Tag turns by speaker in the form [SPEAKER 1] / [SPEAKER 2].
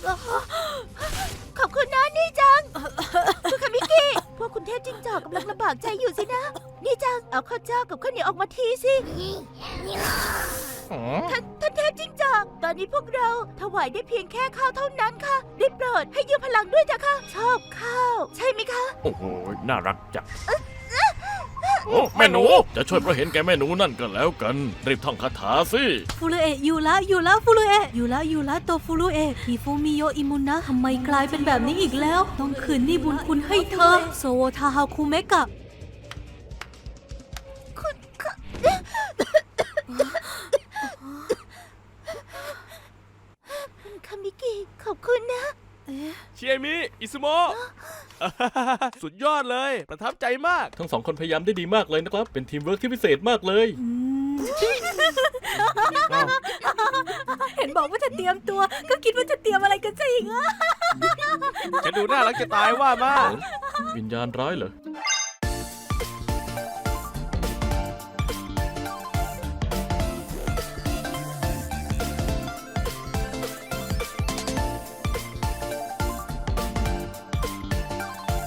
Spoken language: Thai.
[SPEAKER 1] ขอบคุณนะนี่จังคุณคามิกิพวกคุณเทพจิ้งจอกกำลังลำบากใจอยู่สินะนี่จังเอาข้าวเจ้ากับข้าวเหนียวออกมาทีสิท่านเทพจิ้งจอกตอนนี้พวกเราถวายได้เพียงแค่ข้าวเท่านั้นค่ะได้โปรดให้ยืมพลังด้วยจ้ะค่ะชอบข้าวใช่ไหมคะ
[SPEAKER 2] โอ้โหน่ารักจังโอ้แม่หนูจะช่วยเพราะเห็นแกแม่หนูนั่นก็แล้วกันรีบท่องคาถาสิ
[SPEAKER 3] ฟูรุเอะอยู่ละฟูรุเอะอยู่ละโตฟูรุเอะฮิฟูมิโยอิมุนะทำไมกลายเป็นแบบนี้อีกแล้วต้องคืนหนี้บุญคุณให้เธอโซโวทาฮาคุเมกะ
[SPEAKER 1] คุณคามิกิขอบคุณนะ
[SPEAKER 4] เชียมิอิซุโมะ สุดยอดเลย ประทับใจมาก
[SPEAKER 2] ทั้งสองคนพยายามได้ดีมากเลยนะครับเป็นทีมเวิร์กที่พิเศษมากเลย
[SPEAKER 3] เห็นบอกว่าจะเตรียมตัว ก็คิดว่าจะเตรียมอะไรกันซะอีกอะ
[SPEAKER 4] จะดูน่ารักจะตายว่ามา
[SPEAKER 2] วิญญาณร้ายเหรอ